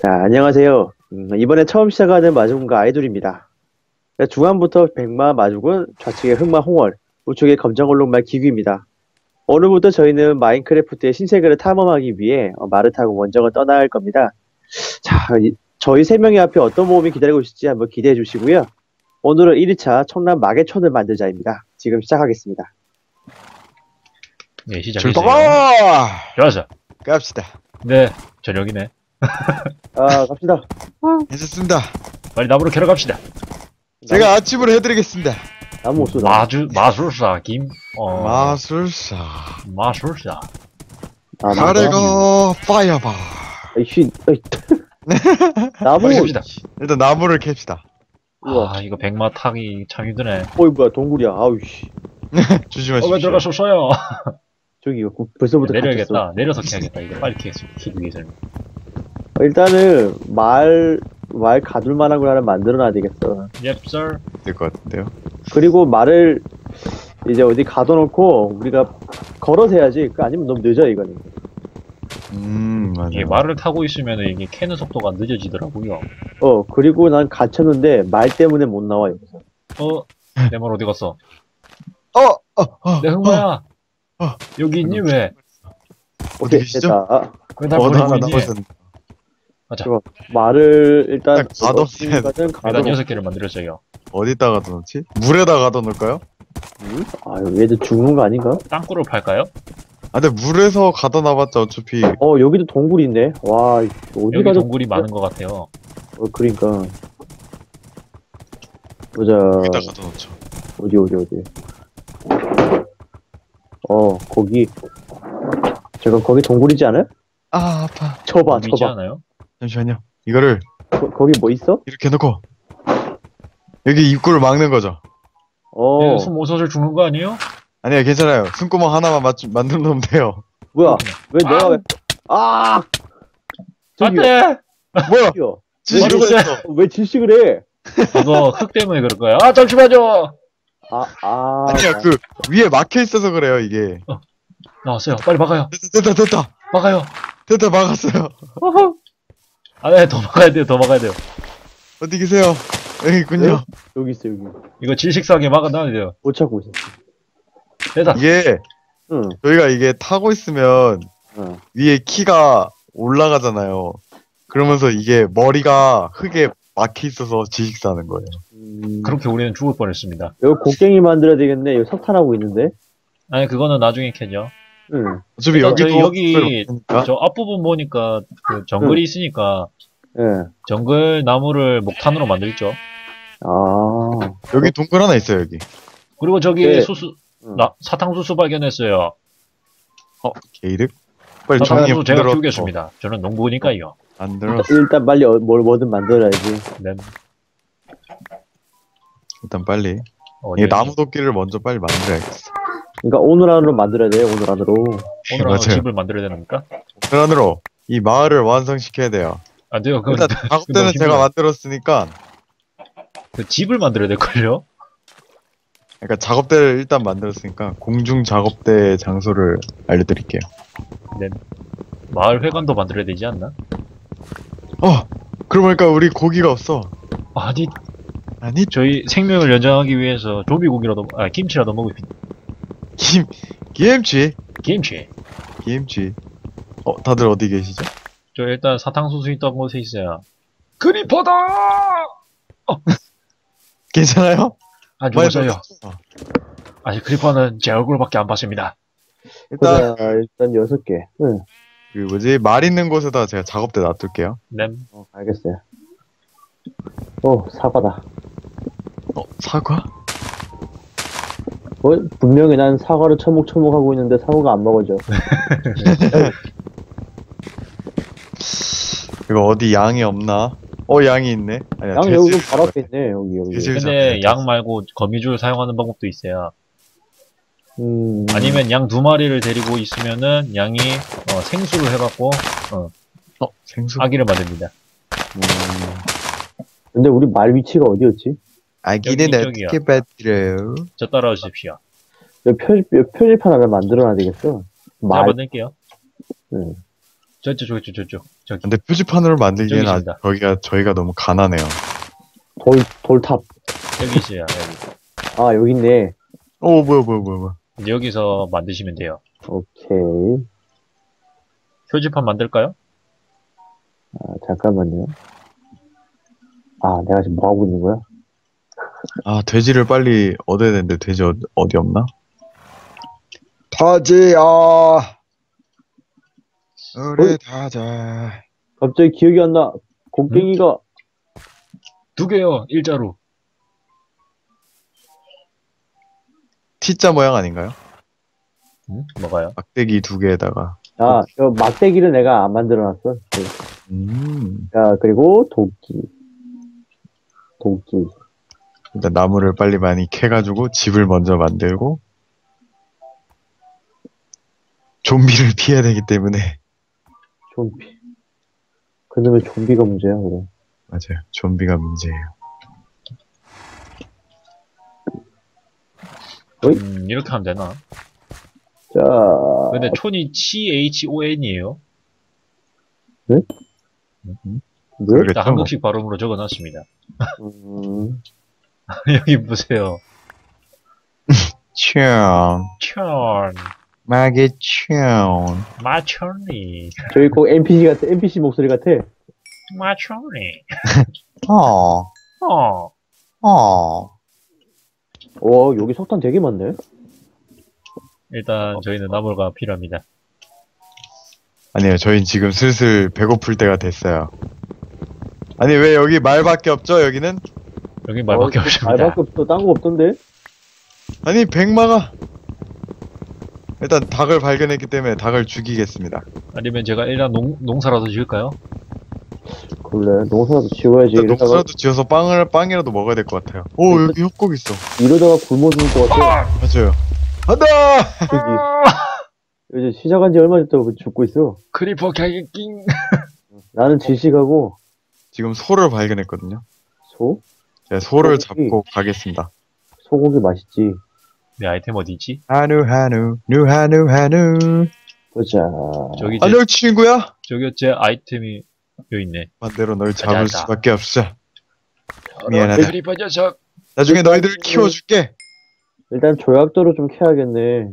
자, 안녕하세요. 이번에 처음 시작하는 마주군과 아이돌입니다. 중앙부터 백마 마주군, 좌측에 흑마 홍월, 우측에 검정얼룩말 기귀입니다. 오늘부터 저희는 마인크래프트의 신세계를 탐험하기 위해 말을 타고 원정을 떠나야 할 겁니다. 자, 저희 세 명의 앞에 어떤 모험이 기다리고 있을지 한번 기대해 주시고요. 오늘은 1회차 청남 마계촌을 만들자입니다. 지금 시작하겠습니다. 네, 시작해주세요. 출발! 좋았어. 갑시다. 네, 저녁이네. 갑시다. 괜찮습니다. 빨리 나무로 캐러 갑시다. 제가 아침을 해드리겠습니다. 나무 쏘다. 마술사, 마술사. 마술사. 가래가 파이어바. 아이씨, 나무. 빨리 갑시다. 일단 나무를 캡시다. 우와. 아, 이거 백마 타기 참 힘드네. 어이, 뭐야, 동굴이야. 아우씨. 조심하십시오. 왜 들어갔었어요? 저기, 벌써부터 갇혔어. 내려야겠다. 내려서 캐야겠다. 이거 빨리 캐기 위해서는. 일단은 말 가둘 만한 걸 하나 만들어 놔야 되겠어. Yep, sir. 될것 같은데요. 그리고 말을 이제 어디 가둬놓고 우리가 걸어서 해야지. 아니면 너무 늦어 이거는. 맞아. 이게 말을 타고 있으면 이게 캐는 속도가 늦어지더라고요. 그리고 난 갇혔는데 말 때문에 못 나와 여기서. 내 말 어디 갔어? 어. 내 흑마야. 여기 있니 왜? 어디 오케이, 계시죠? 됐다. 왜날 나 버리고 하나 있니? 남았었는데. 가자. 좋아. 말을 일단 가둬놔야 돼. 어디까지는 일단 6개를 만들었어요. 어디다가 넣지? 물에다 가둬놓을까요? 얘들 죽는 거 아닌가? 땅굴을 팔까요? 근데 물에서 가둬놔봤자 어차피 여기도 동굴이 있네. 와, 어디 여기 가도 동굴이 많은 것 같아요. 그러니까. 보자. 여기다 가둬놓죠. 어디. 거기. 거기 동굴이지 않아요? 아, 아파. 쳐봐. 있지 않아요? 잠시만요. 이거를 거기 뭐 있어? 이렇게 해놓고 여기 입구를 막는 거죠. 숨 못 쉬어서 죽는 거 아니에요? 아니야, 괜찮아요. 숨구멍 하나만 만들어 놓으면 돼요. 뭐야? 왜 내가 왜? 저기요. 안돼! 뭐야? 저기요. 지시를 왜 했어. 왜 질식을 해? 이거 흙 때문에 그럴 거야. 아 잠시만요! 아니야, 그 위에 막혀 있어서 그래요, 이게. 나왔어요. 빨리 막아요. 됐다. 막아요. 됐다, 막았어요. 네, 더 막아야 돼요. 더 막아야 돼요. 어디 계세요? 여기 있군요. 여기 있어 여기. 이거 질식사하게 막아놔야 돼요. 못 찾고 있어. 됐다. 이게 응. 저희가 이게 타고 있으면 응. 위에 키가 올라가잖아요. 그러면서 이게 머리가 흙에 막혀 있어서 지식사는 거예요. 그렇게 우리는 죽을 뻔했습니다. 여기 곡괭이 만들어야 되겠네. 여기 석탄하고 있는데. 아니 그거는 나중에 캐죠. 응. 어차피 일단 여기도 저희 여기 없으니까. 저 앞부분 보니까 그 정글이 있으니까 예. 정글 나무를 목탄으로 만들죠. 여기 동굴 하나 있어요, 여기. 그리고 저기 네. 음. 사탕수수 발견했어요. 게이득? 빨리 정리 사탕수수 제가 만들어. 키우겠습니다. 저는 농부니까요. 만들어. 일단 빨리 뭐든 만들어야지. 네. 일단 빨리. 어디 이게 나무 도끼를 먼저 빨리 만들어야겠어. 그러니까 오늘 안으로 만들어야 돼. 오늘 안으로. 오늘 맞아요. 집을 만들어야 됩니까? 오늘 안으로 이 마을을 완성시켜야 돼요. 안 돼요. 일단 작업대는 제가 만들었으니까 그 집을 만들어야 될걸요? 그러니까 작업대를 일단 만들었으니까 공중 작업대 장소를 알려드릴게요. 네. 마을 회관도 만들어야 되지 않나? 그러고 보니까 우리 고기가 없어. 아니, 아니 저희 생명을 연장하기 위해서 조비고기라도, 김치라도 먹읍시다. 김치. 김치. 다들 어디 계시죠? 저 일단 사탕수수 있던 곳에 있어요. 크리퍼다! 괜찮아요? 안 많이 죽었어요. 먹었어. 아직 크리퍼는 제 얼굴밖에 안 봤습니다. 일단 일단 6개. 응. 그 뭐지 말 있는 곳에다 제가 작업대 놔둘게요. 냄. 알겠어요. 사과다. 사과? 분명히 난 사과를 처목처목하고 있는데 사과가 안 먹어져. 이거 어디 양이 없나? 양이 있네. 아니야, 양 돼지 여기 바로 앞에 있네. 여기. 돼지를 근데 잡아야 양 말고 거미줄 사용하는 방법도 있어요. 음. 아니면 양 2마리를 데리고 있으면은 양이 생수를 해갖고 생수? 아기를 만듭니다. 근데 우리 말 위치가 어디였지? 아기는 여기 어떻게 받들어요? 저 따라오십시오. 여기 표지판 하나 만들어놔야 되겠어. 제가 만들게요. 응. 저쪽. 근데 표지판으로 만들기에는 저기 아직 있습니다. 저희가 너무 가난해요. 돌탑. 여기 있어요, 여기. 아, 여기 있네. 뭐야. 이제 여기서 만드시면 돼요. 오케이. 표지판 만들까요? 아, 잠깐만요. 아, 내가 지금 뭐 하고 있는 거야? 아, 돼지를 빨리 얻어야 되는데, 돼지 어디 없나? 돼지야! 우리 타자. 갑자기 기억이 안 나. 곡괭이가, 2개요, 일자로. T자 모양 아닌가요? 응? 뭐가요? 막대기 2개에다가. 아, 저 막대기를 내가 안 만들어놨어. 네. 자, 그리고 도끼. 일단 나무를 빨리 많이 캐가지고 집을 먼저 만들고, 좀비를 피해야 되기 때문에. 좀비. 그놈의 좀비가 문제야, 그래. 맞아요. 좀비가 문제예요. 이렇게 하면 되나? 자, 근데 촌이 CHON이에요. 네? 그러겠죠, 뭐. 한국식 발음으로 적어놨습니다. 음, 여기 보세요. 총. 촌, 마개 총. 마촌이, 저기 꼭 NPC 목소리 같아. 마촌이. 어. 여기 석탄 되게 많네. 일단 저희는 나무가 필요합니다. 아니요, 저희 지금 슬슬 배고플 때가 됐어요. 아니, 왜 여기 말밖에 없죠, 여기는? 여기 말밖에 없습니다. 말밖에 없어. 딴 거 없던데? 아니, 백마가. 일단 닭을 발견했기 때문에 닭을 죽이겠습니다. 아니면 제가 일단 농사라도 지을까요? 그래, 농사라도 지어야지. 일단 이러다가, 농사라도 지어서 빵이라도 먹어야 될 것 같아요. 오, 여기 협곡 있어. 이러다가 굶어 죽을 것 같아. 맞아요. 간다! 저기, 이제 시작한 지 얼마 됐다고 죽고 있어. 크리퍼 개깅. 나는 질식하고, 지금 소를 발견했거든요. 소? 제가 소를 소고기. 잡고 가겠습니다. 소고기 맛있지. 내 아이템 어디 있지? 한우. 보자. 저기 제, 안녕, 친구야? 저기 제 아이템이 여기 있네. 반대로 널 잡을 가자. 수밖에 없어. 미안하다. 크리퍼 녀석. 나중에 너희들을 키워줄게. 일단 조약도로 좀 캐야겠네.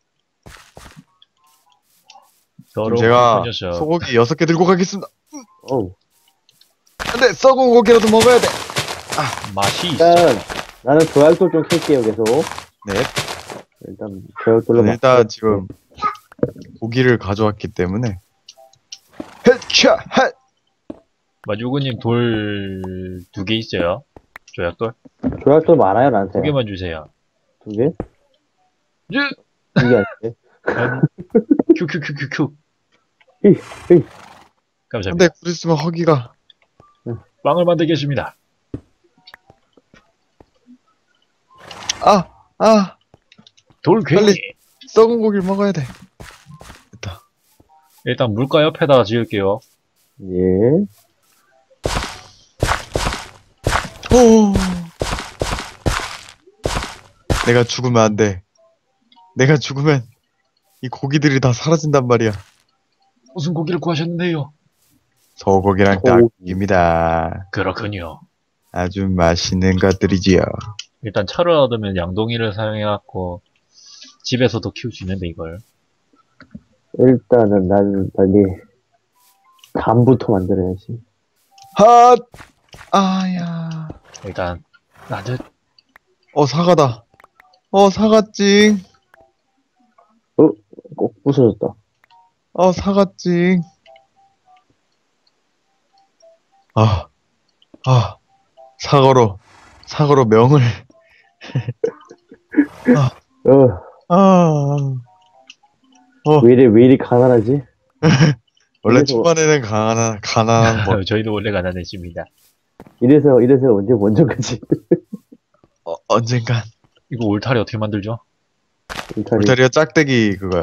그럼 제가 크리퍼 녀석. 소고기 6개 들고 가겠습니다. 어우. 근데 썩은 고기라도 먹어야 돼. 맛이 있어. 일단, 나는 조약돌 좀 캘게요, 계속. 네. 일단, 조약돌로 일단 지금 고기를 가져왔기 때문에. 헤차 헷. 마주구님 돌 2개 있어요. 조약돌. 조약돌 많아요, 나한테. 2개만 주세요. 2개? 예. 이게 아닌데. 큐큐큐큐큐. 히, 히. 감사합니다. 근데 곧 있으면 허기가. 빵을 만들겠습니다. 돌괴. 빨리. 썩은 고기를 먹어야 돼. 됐다. 일단 물가 옆에다가 지을게요. 예. 오. 내가 죽으면 안 돼. 내가 죽으면 이 고기들이 다 사라진단 말이야. 무슨 고기를 구하셨는데요? 소고기랑 소고기. 닭입니다. 그렇군요. 아주 맛있는 것들이지요. 일단 차를 얻으면 양동이를 사용해갖고 집에서도 키울 수 있는데 이걸. 일단은 나는 빨리 담부터 만들어야지. 핫! 아야. 일단 나도 사과다. 사과찡. 꼭 부서졌다. 사과찡. 사과로 명을. 왜 이리 가난하지? 원래 그래서- 초반에는 가난한 거. 저희도 원래 가난했습니다. 이래서 언제 원전까지. 언젠간. 이거 울타리 어떻게 만들죠? 울타리가 짝대기 그거요.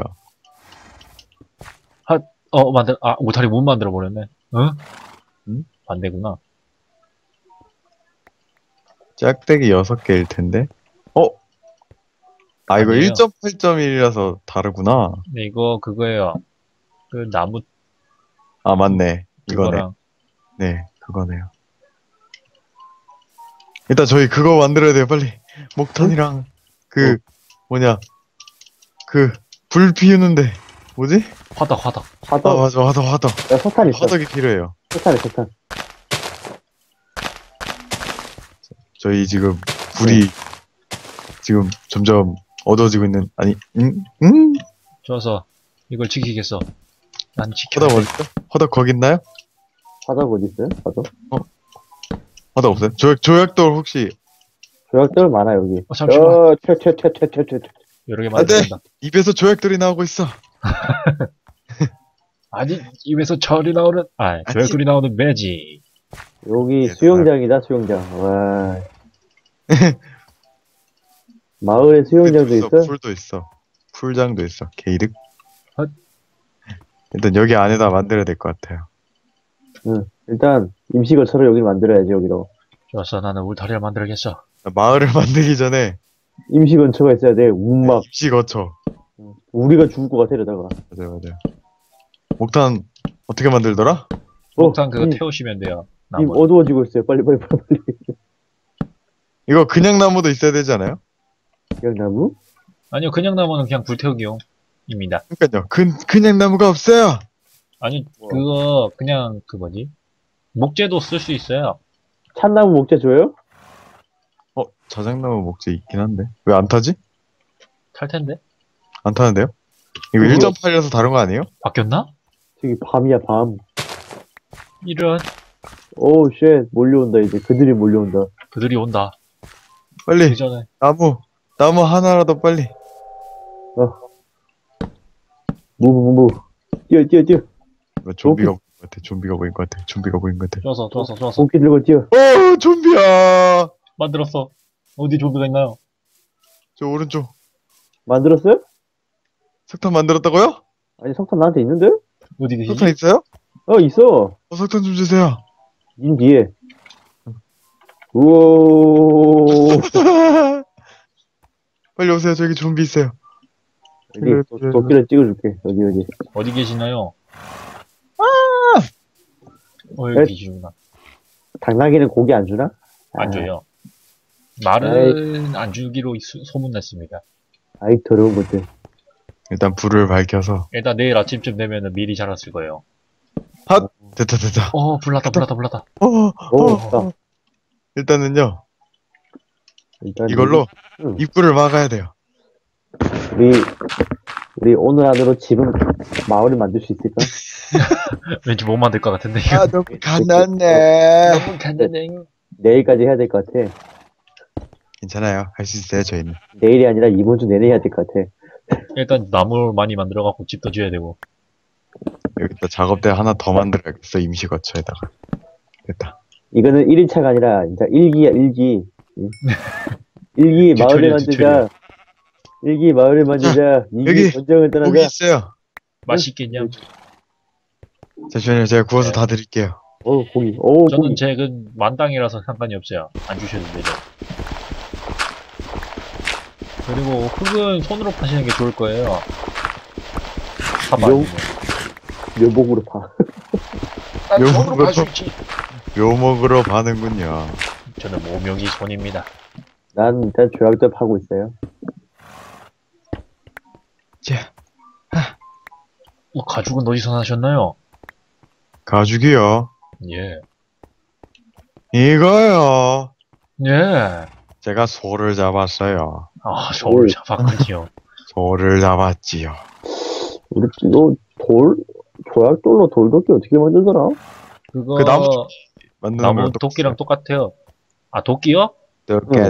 울타리 못 만들어 버렸네. 응? 응? 안 되구나. 짝대기 6개일 텐데. 이거 아니에요. 1.8.1이라서 다르구나. 근데 이거 그거예요. 그 나무 맞네. 이거네. 그거랑 네, 그거네요. 일단 저희 그거 만들어야 돼요, 빨리. 목탄이랑 그 뭐냐 그 불 피우는데 뭐지? 화덕 화덕. 아 화덕. 맞아, 화덕. 야, 석탄 있어. 화덕이 필요해요. 석탄에 석탄. 저희 지금 불이 지금 점점 어두워지고 있는 아니 좋아서 이걸 지키겠어. 난 지켜. 화덕 어딨어? 화덕 거기 있나요? 화덕 어디 있어요? 화덕? 화덕 없어요? 조약돌 혹시 조약돌 많아 여기. 잠시만. 퇴. 여러 개 안 돼! 만든다. 입에서 조약돌이 나오고 있어. 아니 입에서 철이 나오는 조약돌이 나오는 매직. 여기 예, 수영장이다 수영장. 와. 마을에 수영장도 있어? 풀도 있어. 풀장도 있어. 게이득. 헛. 일단 여기 안에다 만들어야 될 것 같아요. 응. 일단 임시거처럼 여기 만들어야지 여기로. 좋았어. 나는 울타리를 만들겠어. 마을을 만들기 전에 임시건처가 있어야 돼. 운막. 입시 거쳐. 우리가 죽을 것 같아 이러다가. 맞아요. 목탄 어떻게 만들더라? 목탄 그거 님, 태우시면 돼요. 님 나무. 어두워지고 있어요. 빨리. 이거 그냥 나무도 있어야 되지 않아요? 그냥 나무? 아니요 그냥 나무는 그냥 불태우기용입니다. 그러니까요. 그냥 나무가 없어요. 아니 그거 그냥 그 뭐지? 목재도 쓸 수 있어요. 참나무 목재 줘요? 자작나무 목재 있긴 한데 왜 안 타지? 탈 텐데. 안 타는데요? 이거 그거- 1.8이라서 다른 거 아니에요? 바뀌었나? 저기 밤이야 밤. 이런 오우 쉣 몰려온다 이제. 그들이 몰려온다. 그들이 온다. 빨리 그 전에 나무 하나라도 빨리. 무브. 뛰어. 이거 좀비가 보인 것 같아. 좀비가 보인 것 같아. 좋았어. 도끼 들고 뛰어. 좀비야. 만들었어. 어디 좀비가 있나요? 저 오른쪽 만들었어요? 석탄 만들었다고요? 아니 석탄 나한테 있는데? 어디 계시지? 석탄 있어요? 있어. 석탄 좀 주세요. 님 뒤에. 우오. 빨리 오세요. 저기 좀비 있어요. 여기 도끼를 찍어줄게. 어디. 어디 계시나요? 네. 여기 계시구나. 당나귀는 고기 안 주나? 안 줘요. 말은 안 주기로 소문냈습니다. 아이 더러운 것들. 일단 불을 밝혀서 일단 내일 아침쯤 되면은 미리 자랐을 거예요. 됐다. 불났다. 오. 일단은요 일단 이걸로 응. 입구를 막아야 돼요. 우리 오늘 안으로 집은 마을을 만들 수 있을까? 왠지 못 만들 것 같은데 이거. 너무 가난해. 너무 간단해. 내일까지 해야 될 것 같아. 괜찮아요. 할 수 있어요. 저희는. 내일이 아니라 이번 주 내내 해야 될 것 같아. 일단 나무 많이 만들어갖고 집도 지어야 되고. 여기다 작업대 하나 더 만들어야겠어. 임시 거처에다가. 됐다. 이거는 1일차가 아니라 진짜 일기야 일기. 응? 일기 마을을 만들자. 일기 마을을 만들자. 여기 이기 전쟁을 고기 떠나자. 있어요. 맛있겠냐? 잠시만요. 제가 구워서 네. 다 드릴게요. 고기. 저는 고기. 제 만땅이라서 상관이 없어요. 안 주셔도 되죠. 그리고 흙은 손으로 파시는 게 좋을 거예요. 파봐. 용- 묘목으로 파. 손으로 팔수 있지. 묘목으로 파는군요. 저는 모명이 손입니다. 난 일단 조약돌 파고 있어요. 자, 가죽은 어디서 나셨나요? 가죽이요. 예. 이거요. 예. 제가 소를 잡았어요. 저를 오. 잡았군요. 소를 잡았지요. 우리 이거 조약돌로 돌도끼 어떻게 만들더라? 그거 그 나무 만드는 나무 거랑 도끼랑 똑같아요. 도끼요? 똑같아요.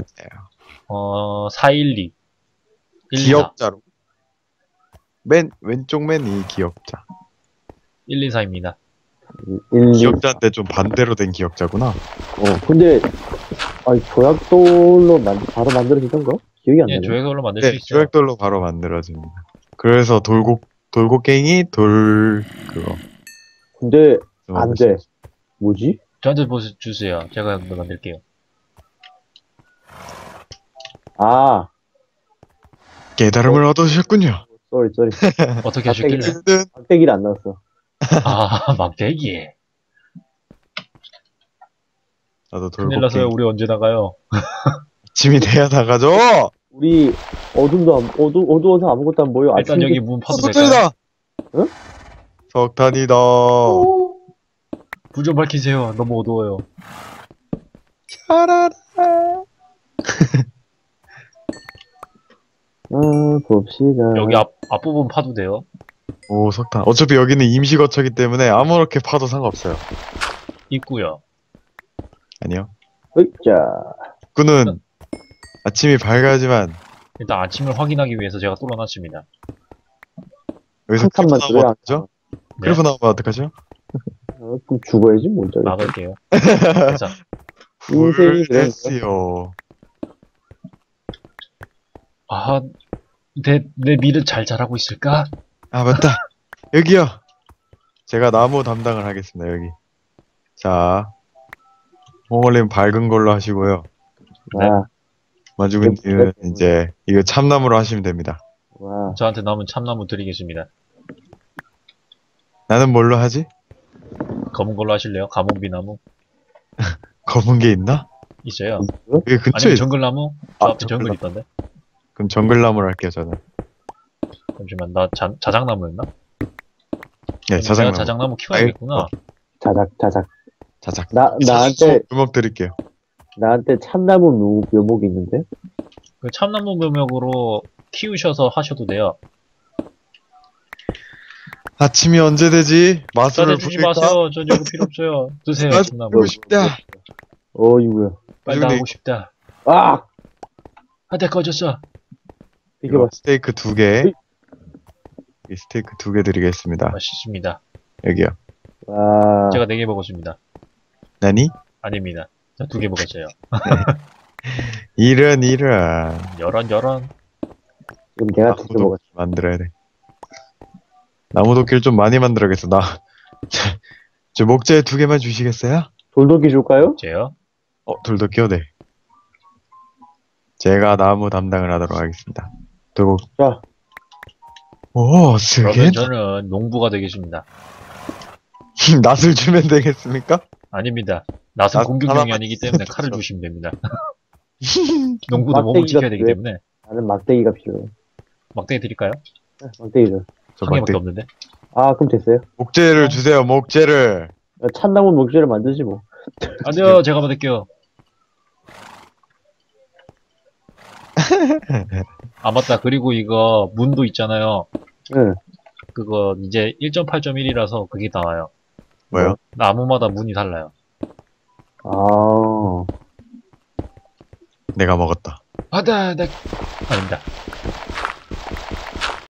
412. 124. 기억자로. 맨 왼쪽 맨이 기억자. 124입니다. 기억자인데 좀 반대로 된 기억자구나. 근데 조약돌로 바로 만들어지던가? 기억이 안 예, 나네. 조약돌로 만들 수 네, 있어요. 조약돌로 바로 만들어집니다. 그래서 돌고갱이 그거. 근데 안 돼. 뭐지? 저한테 주세요. 제가 한번 만들게요. 아, 깨달음을 얻으셨군요. 쏘리. 어떻게 하셨길래? 힘든 막대기를 안 나왔어. 막대기. 나도 큰일 났어요. 돌고갱이. 우리 언제 나가요? 아침이 돼야 나가죠. 우리 어두워서 아무것도 안 보여. 일단 아침이 여기 문 파도 될까요? 석탄이다. 응? 석탄이다. 불 좀 밝히세요. 너무 어두워요. 차라라. 봅시다. 여기 앞부분 파도 돼요. 오, 석탄. 어차피 여기는 임시 거처기 때문에 아무렇게 파도 상관없어요. 있고요. 아니요. 으쌰. 그는 아침이 밝아야지만 일단 아침을 확인하기 위해서 제가 뚫어놨습니다. 여기서 한 칸만 크리프 나오면 들어야 어떡하죠? 네, 크리프 나오면 어떡하죠? 그럼 죽어야지, 뭐. 저기. 막을게요. 그래서 인생이 그래. 불됐어요. 아, 내 밀은 잘 자라고 있을까? 아, 맞다. 여기요. 제가 나무 담당을 하겠습니다, 여기. 자, 홍월님 밝은 걸로 하시고요. 와, 마주근님은 이제 이거 참나무로 하시면 됩니다. 와. 저한테 남은 참나무 드리겠습니다. 나는 뭘로 하지? 검은 걸로 하실래요? 가뭄비나무 검은 게 있나? 있어요. 여기 근처에 아니면 있... 정글나무? 저 아, 앞에 정글 정글나무. 있던데. 그럼 정글나무로 할게요, 저는. 잠시만, 나 자작나무였나? 네, 내가 자작나무. 자작나무 키워야겠구나. 자작. 자작. 나한테 주먹 드릴게요. 참나무 묘목이 있는데? 그 참나무 묘목으로 키우셔서 하셔도 돼요. 아침이 언제 되지? 마술을 저한테 주지 부릴까? 마세요. 전 이거 필요 없어요. 드세요, 마술 참나무. 부리고 싶다. 어이구야. 빨리 근데 나가고 싶다. 아! 한대 꺼졌어. 이거 봐. 스테이크 2개. 이 스테이크 2개 드리겠습니다. 맛있습니다. 여기요. 와. 제가 4개 먹었습니다. 나니? 아닙니다. 저 2개 먹었어요. 이런. 열한. 그럼 내가 두개 먹었어. 만들어야 돼. 나무도끼를 좀 많이 만들어야겠어. 저 목재 2개만 주시겠어요? 돌도끼 줄까요? 제요? 돌도끼요? 네. 제가 나무 담당을 하도록 하겠습니다. 돌고. 자. 오, 쓰게? 그러면 저는 농부가 되겠습니다. 낫을 주면 되겠습니까? 아닙니다. 낫은 낫 공격용이 하나만 아니기 때문에 칼을 주십시오. 주시면 됩니다. 농부도 몸을 막대기가 지켜야 되기 필요해. 때문에. 나는 막대기가 필요해. 막대기 드릴까요? 막대기 줘. 저 한 개밖에 막대. 없는데. 아, 그럼 됐어요. 목재를 주세요, 목재를. 참나무 목재를 만들지 뭐. 아니요, 제가 받을게요. 아, 맞다. 그리고 이거 문도 있잖아요. 응. 그거 이제 1.8.1이라서 그게 나와요. 뭐요? 나무마다 문이 달라요. 아. 내가 먹었다. 아닙니다.